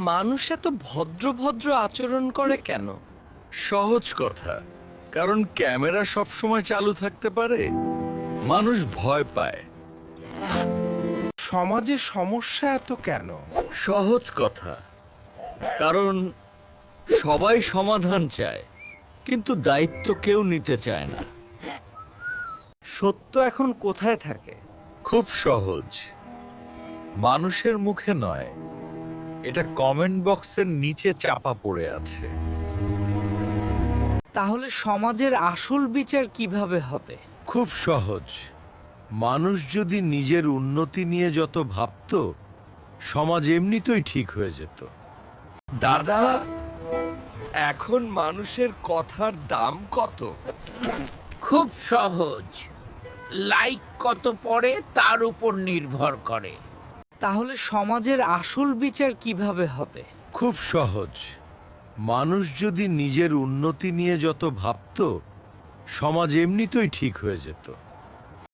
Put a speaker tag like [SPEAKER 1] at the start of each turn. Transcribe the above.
[SPEAKER 1] মানুষ এত ভদ্র ভদ্র আচরণ করে কেন?
[SPEAKER 2] সহজ কথা, কারণ ক্যামেরা সব সময় চালু থাকতে পারে। মানুষ ভয় পায়।
[SPEAKER 3] সমাজে সমস্যা এত কেন?
[SPEAKER 2] সহজ কথা, কারণ সবাই সমাধান চায়, কিন্তু দায়িত্ব কেউ নিতে চায় না।
[SPEAKER 1] সত্য এখন কোথায় থাকে?
[SPEAKER 2] খুব সহজ, মানুষের মুখে নয়, এটা কমেন্ট বক্সের নিচে চাপা পড়ে আছে।
[SPEAKER 1] তাহলে সমাজের আসল বিচার কিভাবে হবে?
[SPEAKER 2] খুব সহজ, মানুষ যদি নিজের উন্নতি নিয়ে যত ভাবতো, সমাজ এমনিতেই ঠিক হয়ে যেত।
[SPEAKER 1] দাদা, এখন মানুষের কথার দাম কত?
[SPEAKER 4] খুব সহজ, লাইক কত পড়ে তার উপর নির্ভর করে।
[SPEAKER 1] তাহলে সমাজের আসল বিচার কিভাবে হবে?
[SPEAKER 2] খুব সহজ, মানুষ যদি নিজের উন্নতি নিয়ে যত ভাবতো, সমাজ এমনিতেই ঠিক হয়ে যেত।